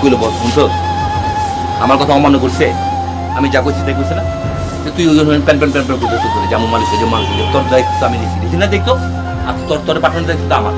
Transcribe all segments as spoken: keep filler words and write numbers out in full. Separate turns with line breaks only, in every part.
কইলো বস শুনছো আমার কথা অমান্য করছে আমি যা করছি তাই করছে না তুই ওই প্যান প্যান প্যান প্যান করতে করে যেমন মানুষ যে মানুষ তোর দায়িত্ব আমি নিচ্ছি নিচ্ছি না দেখতো আর তোর তোর পাঠানোর দায়িত্ব আমার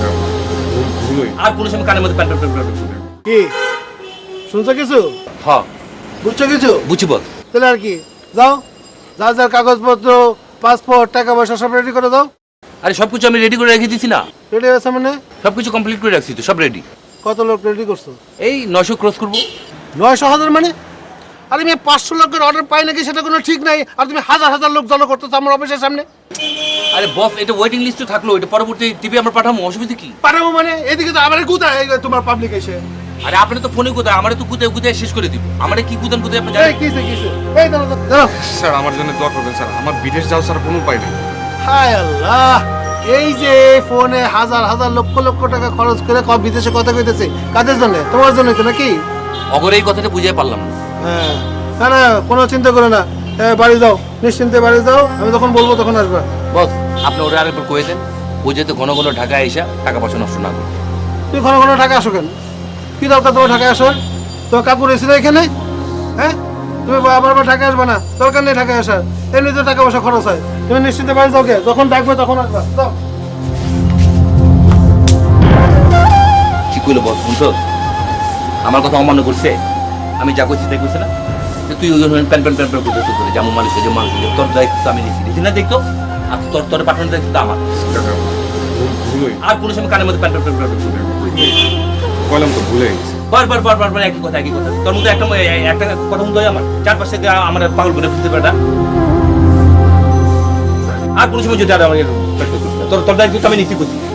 আর কোনো সময় কানের মধ্যে প্যান প্যান প্যান প্যান
কি শুনছো কিছু?
হ্যাঁ
বুঝছো কিছু?
বুঝছি বস
তাহলে আর কি যাও, যা যা কাগজপত্র পাসপোর্ট টাকা পয়সা সব রেডি করে দাও।
আরে সব কিছু আমি রেডি করে রেখে দিছি না
রেডি আছে মানে?
সব কিছু কমপ্লিট করে রাখছি তো সব রেডি
কত লোক রেডি করছো?
এই নয়শো ক্রস করবো
নয়শো হাজার মানে? আরে আমি পাঁচশো লোকের অর্ডার পাই নাকি সেটা কোনো ঠিক নাই, আর তুমি হাজার হাজার লোক জড়ো করতেছো আমার অফিসের সামনে।
আরে বস এটা ওয়েটিং লিস্টে থাকলো এটা পরবর্তী টিভি আমরা পাঠাবো অসুবিধা কি?
পাঠাবো মানে? এদিকে তো আমার কোথায় তোমার পাবলিক এসে?
আরে আপনি তো ফোনে কোথায় আমারে তো কোথায় কোথায় শেষ করে দিব আমারে কি কুদান কোথায় আপনি
এই
জানেন
কিসে কিসে এই দাঁড়াও দাঁড়াও।
স্যার আমার জন্য দোয়া করবেন স্যার, আমার বিদেশ যাওয়ার স্যার কোনো উপায় নেই।
হায় আল্লাহ, এই যে ফোনে হাজার হাজার লক্ষ লক্ষ টাকা খরচ করে কব বিদেশে কথা কইতেছে কাদের জন্য? তোমার জন্য তো নাকি?
অগরে এই কথাটা বুঝাই পারলাম না
হ্যাঁ না না কোনো চিন্তা করো না, এ, বাড়ি যাও, নিশ্চিন্তে বাড়ি যাও, আমি যখন বলবো তখন আসবা।
বস আপনি ওরা আরেকবার কয়ে দেন ও যাতে ঘন ঘন ঢাকায় এসে টাকা পয়সা নষ্ট না করে।
তুই ঘন ঘন ঢাকা আসো কেন? কি দরকার তোমার ঢাকায় আসার? তোমার কাপড় এসে এখানে? হ্যাঁ তুমি বারবার ঢাকায় আসবে না, দরকার নেই ঢাকায় আসার, এমনি তো টাকা পয়সা খরচ হয়। তুমি নিশ্চিন্তে বাড়ি যাও, কে যখন ডাকবে তখন আসবা, যাও।
কি কইলো বস শুনছো আমার কথা অমান্য করছে আমি যা করছি তাই করছে না তুই ওই প্যান প্যান প্যান প্যান করতে করে যেমন মানুষ যে মানুষ তোর দায়িত্ব আমি নিচ্ছি নিচ্ছি না দেখতো আর তোর তোর পাঠানোর দায়িত্ব আমার
ভুলই
আর কোনো সময় কানের মধ্যে প্যান প্যান প্যান প্যান
কইলাম তো ভুলে গেছি।
বারবার বারবার বার একই কথা একই কথা তোর মধ্যে একটা একটা কথা মতো আমার চারপাশে আমার পাগল করে ফেলতে পারে আর কোনো সময় যদি আর আমার তোর তোর দায়িত্ব আমি নিচ্ছি করছি